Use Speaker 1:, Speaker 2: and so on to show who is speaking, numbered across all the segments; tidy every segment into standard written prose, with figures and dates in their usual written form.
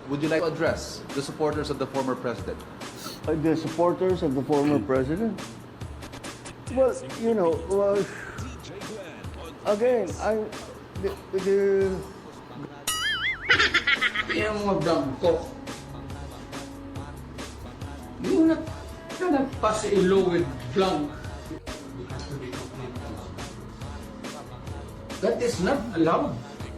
Speaker 1: would you like to address the supporters of the former president?
Speaker 2: The supporters of the former president? Well, you know, again,
Speaker 3: Yung mga blanco. Yung nagpasa-ilo with blank. That is not allowed.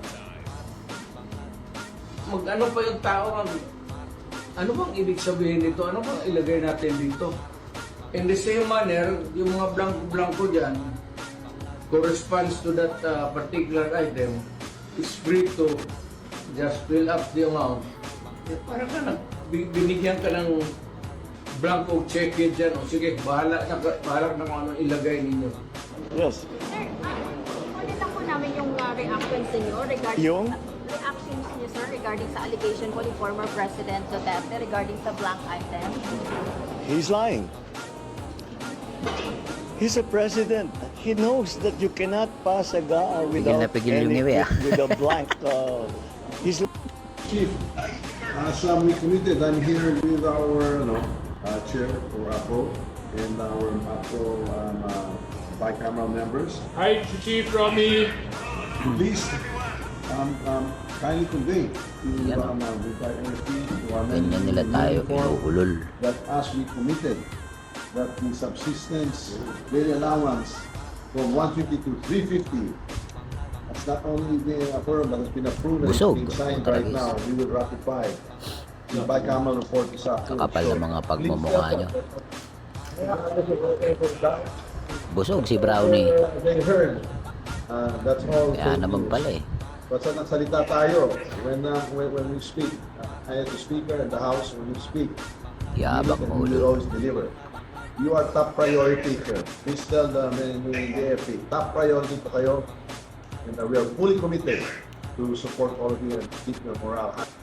Speaker 3: Mag-ano pa yung tao, ano bang ibig sabihin nito? Ano bang ilagay natin dito? In the same manner, yung mga blanco-blanco dyan corresponds to that particular item, is free to just fill up the amount. Para ka binigyan ka ng blanco check dyan. O sige, bahala na kung ano ilagay ninyo.
Speaker 2: yes.
Speaker 4: Sir, kunin lang po namin yung reactions niyo regarding
Speaker 2: Yung?
Speaker 4: reactions niyo, sir, regarding sa allegation po ni former President Duterte regarding sa blank item.
Speaker 2: He's lying. He's a president. He knows that you cannot pass a GAA without
Speaker 5: pigil yung iwi,
Speaker 2: with a blank. He's
Speaker 6: Chief, as we committed, I'm here with our chair for APO and our APO bicameral members.
Speaker 7: Hi, Chief Romy.
Speaker 6: Please kindly convey to retired NFP to our
Speaker 5: Ganyan nila tayo kinuulol.
Speaker 6: that as we committed, that the subsistence daily allowance from 150 to 350 has not only been affirmed but has been approved and
Speaker 5: Busog.
Speaker 6: being signed
Speaker 5: Ang
Speaker 6: right
Speaker 5: tragis.
Speaker 6: now. We will ratify the bicameral report this afternoon.
Speaker 5: Kakapal ng mga pagmumukha nyo. Busog si Brownie.
Speaker 6: They heard. That's all.
Speaker 5: Kaya
Speaker 6: fake
Speaker 5: naman
Speaker 6: news.
Speaker 5: pala eh.
Speaker 6: Basta nagsalita tayo when we speak. I as the speaker and the house when we speak.
Speaker 5: Yabang
Speaker 6: we
Speaker 5: mo
Speaker 6: will
Speaker 5: ulo.
Speaker 6: always deliver. You are top priority, sir. Please tell the AFP, top priority pa kayo. And we are fully committed to support all of you and keep your morale high.